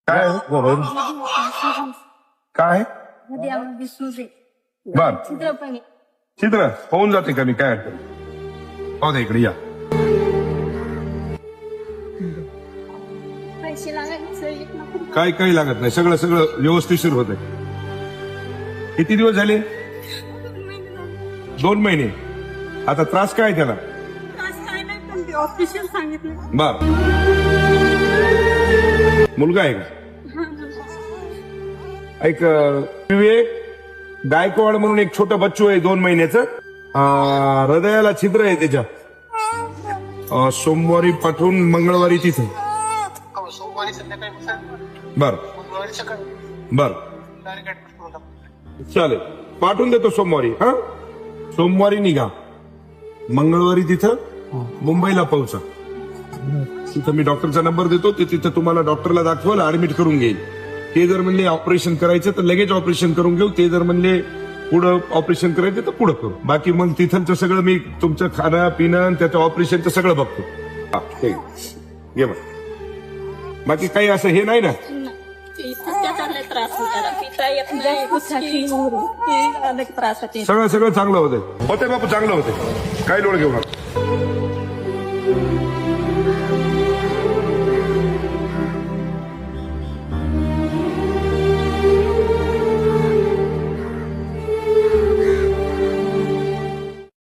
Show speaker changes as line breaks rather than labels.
काय काय बर चित्र होऊन जाते का मी काय अडचण हो दे इकडे या
पैसे लागायचे
काही लागत नाही सगळं सगळं व्यवस्थिशीर होत किती दिवस झाले 2 महिने आता त्रास काय त्याला
काय नाही पण ते ऑफिशियल सांगितलं
बर मुलगा आहे का एक विवेक गायकवाड म्हणून एक छोटं बच्चू आहे 2 महिन्याचं हृदयाला छिद्र आहे त्याच्या सोमवारी पाठवून मंगळवारी तिथे
सोमवारी संध्याकाळी
बर
मंगळवारी सकाळी
बर
डायरेक्ट ऍडमिट करून टाकतो.
चालेल पाठवून देतो सोमवारी हा सोमवारी निघा मंगळवारी तिथं मुंबईला पोहोचा तिथं मी डॉक्टरचा नंबर देतो ते तिथं तुम्हाला डॉक्टरला दाखवाल ऍडमिट करून घेईल ते जर म्हणले ऑपरेशन करायचं तर लगेच ऑपरेशन करून घेऊ ते जर म्हणले पुढं ऑपरेशन करायचं तर पुढं करू बाकी मग तिथंचं सगळं मी तुमचं खाणं पिणं आणि त्याचं ऑपरेशनचं सगळं बघतो हा ठीक आहे. घे मग बाकी काही असं हे नाही ना
त्रास पिता येत नाही त्रास होते
सगळं चांगलं होतंय बापू चांगलं होते काही लोड घेऊ नका